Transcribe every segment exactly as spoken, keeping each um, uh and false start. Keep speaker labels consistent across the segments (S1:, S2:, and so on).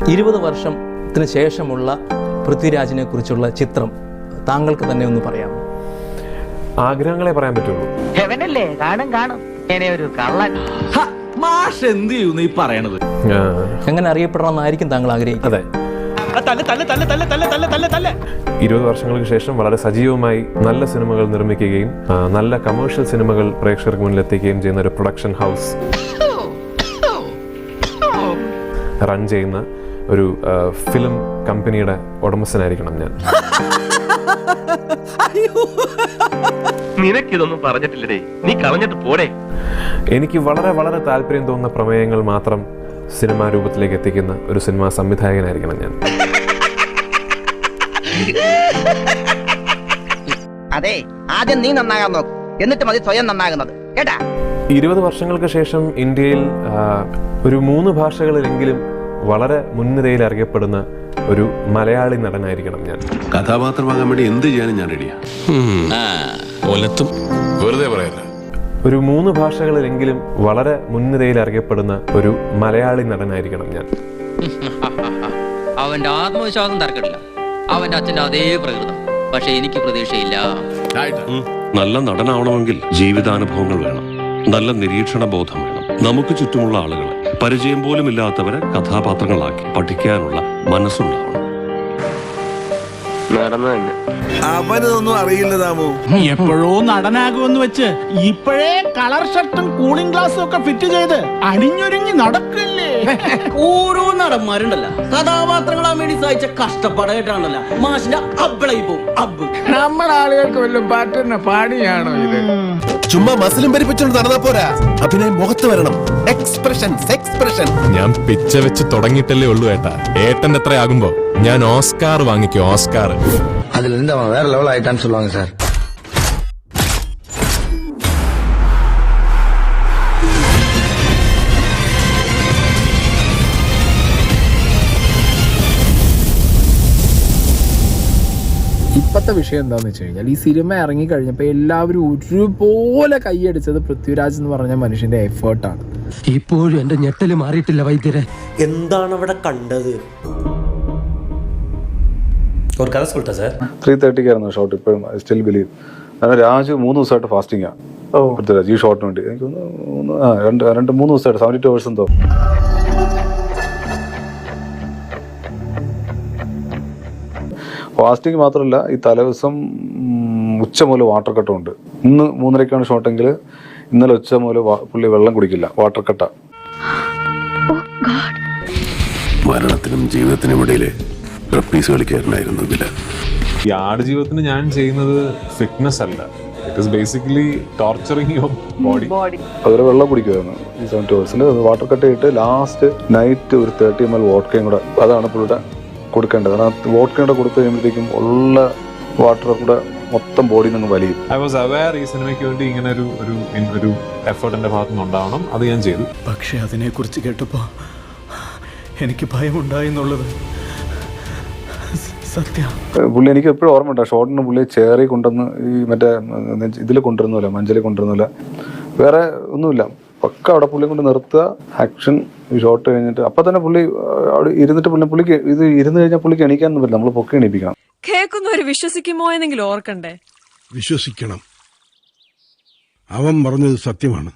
S1: ഇരുപത് വർഷത്തിന് ശേഷമുള്ള പൃഥ്വിരാജിനെ കുറിച്ചുള്ള ചിത്രം താങ്കൾക്ക് തന്നെ ഒന്ന് പറയാം.
S2: ആഗ്രഹങ്ങളെ പറയാൻ പറ്റുള്ളൂ.
S3: ഹെവനല്ലേ കാണും കാണും ഒരു കള്ളൻ.
S4: മാഷ് എന്ത് ചെയ്യുന്നു ഈ പറയണത്?
S1: എങ്ങനെ അറിയപ്പെടണമെന്നായിരിക്കും താങ്കൾ ആഗ്രഹിക്കുന്നത്?
S2: അതെ, ഇരുപത് വർഷങ്ങൾക്ക് ശേഷം വളരെ സജീവമായി നല്ല സിനിമകൾ നിർമ്മിക്കുകയും നല്ല കമേഴ്ഷ്യൽ സിനിമകൾ പ്രേക്ഷകർക്ക് മുന്നിൽ എത്തിക്കുകയും ചെയ്യുന്ന ഒരു പ്രൊഡക്ഷൻ ഹൗസ് റൺ ചെയ്യുന്ന ഒരു ഫിലിം കമ്പനിയുടെ ഉടമസ്ഥനായിരിക്കണം ഞാൻ.
S5: നിനക്കിതൊന്നും പറഞ്ഞിട്ടില്ലേ, നീ കളഞ്ഞിട്ട് പോടേ.
S2: എനിക്ക് വളരെ വളരെ താല്പര്യം തോന്നുന്ന പ്രമേയങ്ങൾ മാത്രം സിനിമാ രൂപത്തിലേക്ക് എത്തിക്കുന്ന ഒരു സിനിമാ സംവിധായകനായിരിക്കണം ഞാൻ.
S3: അതെ, ആദ്യം നീ നന്നാകാൻ നോക്ക്, എന്നിട്ട് മതി സ്വയം നന്നാകുന്നത്, കേട്ടാ.
S2: ഇരുപത് വർഷങ്ങൾക്ക് ശേഷം ഇന്ത്യയിൽ ഒരു മൂന്ന് ഭാഷകളിലെങ്കിലും വളരെ മുൻനിരയിൽ അറിയപ്പെടുന്ന ഒരു മലയാളി നടനായിരിക്കണം ഞാൻ.
S6: കഥാപാത്രമാകാൻ വേണ്ടി എന്ത് ചെയ്യാനും ഞാൻ റെഡിയാ. വെറുതെ പറയല്ല.
S2: ഒരു മൂന്ന് ഭാഷകളിലെങ്കിലും വളരെ മുൻനിരയിൽ അറിയപ്പെടുന്ന ഒരു മലയാളി നടനായിരിക്കണം ഞാൻ.
S7: അവന്റെ ആത്മവിശ്വാസം തർക്കമില്ല, അവന്റെ അച്ഛന്റെ അതേ പ്രകൃതം. പക്ഷെ എനിക്ക് പ്രതീക്ഷയില്ല.
S6: നല്ല നടനാവണമെങ്കിൽ ജീവിതാനുഭവങ്ങൾ വേണം, നല്ല നിരീക്ഷണ ബോധം വേണം. നമുക്ക് ചുറ്റുമുള്ള ആളുകളെ, പരിചയം പോലും ഇല്ലാത്തവരെ കഥാപാത്രങ്ങളാക്കി പഠിക്കാനുള്ള മനസ്സുണ്ടാവണം.
S4: അവനൊന്നും അറിയില്ല താമോ. എപ്പോഴോ നടനാകുമെന്ന് വെച്ച് ഇപ്പോഴേ കളർ ഷർട്ടും കൂളിംഗ് ഗ്ലാസും ഒക്കെ ഫിറ്റ് ചെയ്ത് അണിഞ്ഞൊരുങ്ങി നടക്കില്ലേ?
S8: ഓരോ നടന്മാരുണ്ടല്ലോ, കഥാപാത്രങ്ങളാൻ വേണ്ടി സഹിച്ച കഷ്ടപ്പാടായിട്ടാണല്ലോ മാഷിന്റെ അബ്ബളായി പോകും. അബ്ബ്
S9: നമ്മുടെ ആളുകൾക്ക് വല്ലതും പറ്റുന്ന പാടിയാണോ ഇത്?
S10: ചുമ്മാ മസിലും പരിപ്പിച്ചോണ്ട് നടന്നാ പോരാ, അഭിനയം മുഖത്ത് വരണം. Expression expression.
S11: ഞാൻ പിച്ച വെച്ച് തുടങ്ങിയിട്ടല്ലേ ഉള്ളൂ ഏട്ടാ. ഏട്ടൻ എത്ര ആകുമ്പോ ഞാൻ ഓസ്കാർ വാങ്ങിക്കും, ഓസ്കാർ.
S12: அதுல இருந்து அவன் வேற லெவல் ஆயிட்டான்னு சொல்லுவாங்க சார்.
S9: ഇപ്പോഴത്തെ വിഷയം എന്താന്ന് വെച്ച് കഴിഞ്ഞാൽ, ഈ സിനിമ ഇറങ്ങി കഴിഞ്ഞപ്പോൾ എല്ലാവരും ഒരുപോലെ കൈയടിച്ചത് പൃഥ്വിരാജ് എന്ന് പറഞ്ഞ മനുഷ്യന്റെ എഫേർട്ടാണ്.
S8: ഇപ്പോഴും എന്റെ ഞെട്ടല് മാറിയിട്ടില്ല വൈദ്യരെ.
S13: എന്താണ് അവിടെ കണ്ടത്? ഒരു കഥ சொல்லிட்டா സാർ.
S14: ത്രീ തേർട്ടിക്കായിരുന്നു ഷോട്ട്. ഇപ്പോഴും ഐ സ്റ്റിൽ ബിലീവ്. കാരണം രാജ് മൂന്ന് ദിവസമായിട്ട് ഫാസ്റ്റിംഗാണ് പൃഥ്വിരാജ് ഈ ഷോട്ടിന് വേണ്ടി. എനിക്ക് മൂന്ന് ആ രണ്ട് രണ്ട് മൂന്ന് ദിവസമായിട്ട് സെവൻറ്റി ടു അവേഴ്സ് എന്തോ. ഫാസ്റ്റിംഗ് മാത്രമല്ല, ഈ തലേദിവസം ഉച്ച മുതൽ വാട്ടർ കട്ടും ഉണ്ട്. ഇന്ന് മൂന്നരക്കാണ് ഷോട്ടെങ്കിൽ ഇന്നലെ ഉച്ച മുതൽ പുള്ളി വെള്ളം കുടിക്കില്ല, വാട്ടർ കട്ട.
S6: മരണത്തിനും ജീവിതത്തിനും ഇടയിലെ റപ്പീസ് കളിക്കാരനായിരുന്നു ഇതില്.
S2: ഈ ആടുജീവിതത്തിന് ഞാൻ ചെയ്യുന്നത് ഫിറ്റ്നസ് അല്ല, it is basically torturing your body.
S14: അതുപോലെ വെള്ളം കുടിക്കുമായിരുന്നു ഈ സെവൻറ്റി അവേഴ്സിന്. വാട്ടർ കട്ട് ചെയ്തിട്ട് ലാസ്റ്റ് നൈറ്റ് ഒരു തേർട്ടി എം എൽ വോഡ്കയും കൂടെ, അതാണ് പുള്ളിയുടെ കൊടുക്കേണ്ടത്. കാരണം വോഡ്കയും കൂടെ കൊടുത്തു കഴിയുമ്പോഴത്തേക്കും ഉള്ള വാട്ടർ കൂടെ മൊത്തം ബോഡി നിന്ന് വലിയും.
S2: ഐ വാസ് അവെയർ ഈ സിനിമയ്ക്ക് വേണ്ടി ഇങ്ങനെ ഒരു ഒരു ഒരു എഫേർട്ട് എൻ്റെ ഭാഗത്തു നിന്ന് ഉണ്ടാവണം, അത് ഞാൻ ചെയ്തു.
S4: പക്ഷെ അതിനെക്കുറിച്ച് കേട്ടപ്പോൾ എനിക്ക് ഭയമുണ്ടായെന്നുള്ളത് സത്യം.
S14: പുള്ളി എനിക്ക് എപ്പോഴും ഓർമ്മ ഉണ്ട്, ഷോട്ടിന് പുള്ളി ചേറി കൊണ്ടുവന്ന് ഈ മറ്റേ ഇതിൽ കൊണ്ടുവരുന്നില്ല, മഞ്ചലിൽ കൊണ്ടുവരുന്നില്ല, വേറെ ഒന്നുമില്ല. പക്ക അവിടെ പുള്ളി കൊണ്ട് നിർത്തുക, ആക്ഷൻ, ഷോട്ട് കഴിഞ്ഞിട്ട് അപ്പം തന്നെ പുള്ളി അവിടെ ഇരുന്നിട്ട് പുള്ളി പുള്ളിക്ക് ഇത് ഇരുന്ന് കഴിഞ്ഞാൽ പുള്ളിക്ക് എണീക്കാനൊന്നും പറ്റില്ല, നമ്മൾ പൊക്കി എണീപ്പിക്കണം.
S15: കേൾക്കുന്നവര് വിശ്വസിക്കുമോ എന്നെങ്കിലും ഓർക്കണ്ടേ?
S10: വിശ്വസിക്കണം, അവൻ പറഞ്ഞത് സത്യമാണ്.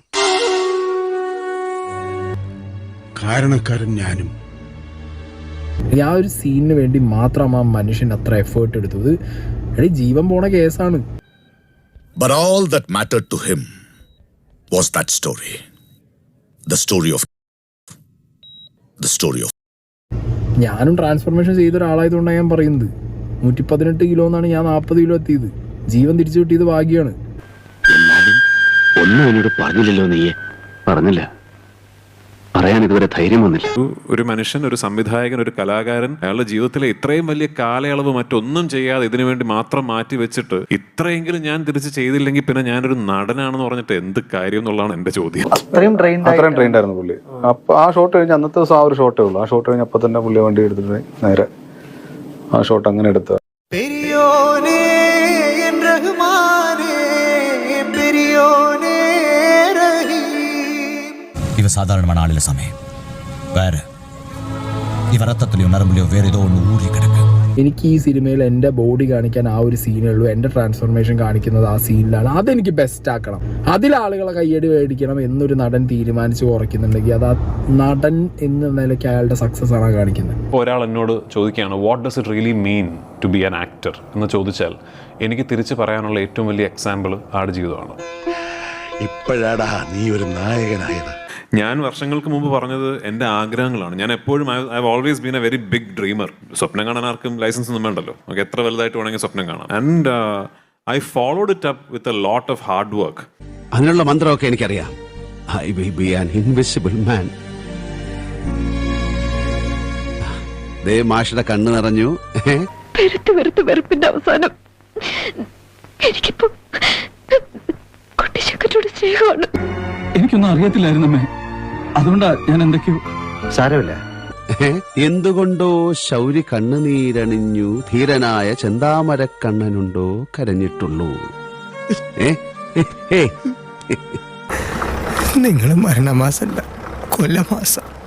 S10: കാരണക്കാരൻ ഞാനും.
S9: ആ ഒരു സീനിന് വേണ്ടി മാത്രം ആ മനുഷ്യൻ അത്ര എഫേർട്ട് എടുത്തത്. എടി ജീവൻ പോണ കേസാണ്.
S10: But all that mattered to him was that story. The story of the story of
S9: ഞാനും ട്രാൻസ്ഫോർമേഷൻ ചെയ്ത ഒരാളായതുകൊണ്ടാണ് ഞാൻ പറയുന്നത്. നൂറ്റി പതിനെട്ട് കിലോ എന്നാണ് ഞാൻ നാൽപ്പത് കിലോ എത്തിയത്. ജീവൻ തിരിച്ചു കിട്ടിയത് ഭാഗ്യമാണ്.
S5: എന്നാലും ഒന്നും എന്നോട് പറഞ്ഞില്ലല്ലോ. നീയെ പറഞ്ഞില്ല, പറയാൻ ഇതുവരെ ധൈര്യം വന്നില്ല.
S2: ഒരു മനുഷ്യൻ, ഒരു സംവിധായകൻ, ഒരു കലാകാരൻ അയാളുടെ ജീവിതത്തിലെ ഇത്രയും വലിയ കാലയളവ് മറ്റൊന്നും ചെയ്യാതെ ഇതിനു വേണ്ടി മാത്രം മാറ്റി വെച്ചിട്ട് ഇത്രയെങ്കിലും ഞാൻ തിരിച്ച് ചെയ്തില്ലെങ്കിൽ പിന്നെ ഞാനൊരു നടനാണെന്ന് പറഞ്ഞിട്ട് എന്ത് കാര്യം എന്നുള്ളതാണ് എന്റെ ചോദ്യം.
S14: അത്രയും ട്രെയിൻഡ് ആയിരുന്നു പുള്ളി. അപ്പൊ ആ ഷോട്ട് കഴിഞ്ഞ് അന്നത്തെ ദിവസം ആ ഒരു ഷോട്ടേ ഉള്ളൂ. ആ ഷോട്ട് കഴിഞ്ഞ് അപ്പൊ തന്നെ പുള്ളി വണ്ടി എടുത്തിട്ട് നേരെ ആ ഷോട്ട് അങ്ങനെ എടുത്ത.
S16: ഇവ സാധാരണമാണ് ആളിലെ സമയം. വേറെ
S12: ഇവ രക്തത്തിലെയോ നരമ്പിലെയോ വേറെ ഏതോ ഒന്ന് ഊറി കിടക്കുക.
S9: എനിക്ക് ഈ സിനിമയിൽ എൻ്റെ ബോഡി കാണിക്കാൻ ആ ഒരു സീനേ ഉള്ളൂ. എൻ്റെ ട്രാൻസ്ഫോർമേഷൻ കാണിക്കുന്നത് ആ സീനിലാണ്. അതെനിക്ക് ബെസ്റ്റ് ആക്കണം. അതിൽ ആളുകളെ കയ്യടി മേടിക്കണം എന്നൊരു നടൻ തീരുമാനിച്ച് കുറയ്ക്കുന്നുണ്ടെങ്കിൽ അത് ആ നടൻ എന്ന നിലയ്ക്ക് അയാളുടെ സക്സസ് ആണ് കാണിക്കുന്നത്.
S2: ഇപ്പോൾ ഒരാൾ എന്നോട് ചോദിക്കുകയാണ് what does it really mean to be an actor എന്ന് ചോദിച്ചാൽ എനിക്ക് തിരിച്ച് പറയാനുള്ള ഏറ്റവും വലിയ എക്സാമ്പിൾ ആടുജീവിതമാണ്.
S10: ഇപ്പോഴാടാ നീ ഒരു നായകനായത്.
S2: ഞാൻ വർഷങ്ങൾക്ക് മുമ്പ് പറഞ്ഞത് എൻ്റെ ആഗ്രഹങ്ങളാണ്. ഞാൻ എപ്പോഴും I have always been a very big dreamer. സ്വപ്നം കാണാൻ ആർക്കും ലൈസൻസ് ഒന്നും വേണ്ടല്ലോ. നമുക്ക് എത്ര വലുതായിട്ട് വേണമെങ്കിൽ സ്വപ്നം കാണാം. And I followed it up with a lot of hard work.
S12: അതിനുള്ള മന്ത്രമൊക്കെ എനിക്കറിയാം. I will be an invisible man. ദേ മാഷിയുടെ കണ്ണ് നിറഞ്ഞു.
S15: വെറുത്ത് വെറുത്ത് വെറുപ്പിന്റെ അവസാനം എനിക്കിപ്പോ കുട്ടിച്ചക്കറ്റോട് സ്നേഹമാണ്.
S4: എനിക്കൊന്നും അറിയത്തില്ലായിരുന്നമ്മേ, അതുകൊണ്ടാ ഞാൻ എന്തൊക്കെയോ.
S12: സാരമില്ല. എന്തുകൊണ്ടോ ശൗരി കണ്ണുനീരണിഞ്ഞു ധീരനായ ചെന്താമരക്കണ്ണനുണ്ടോ കരഞ്ഞിട്ടുള്ളൂ.
S10: നിങ്ങൾ മരണമാസല്ല കൊല്ലമാസം.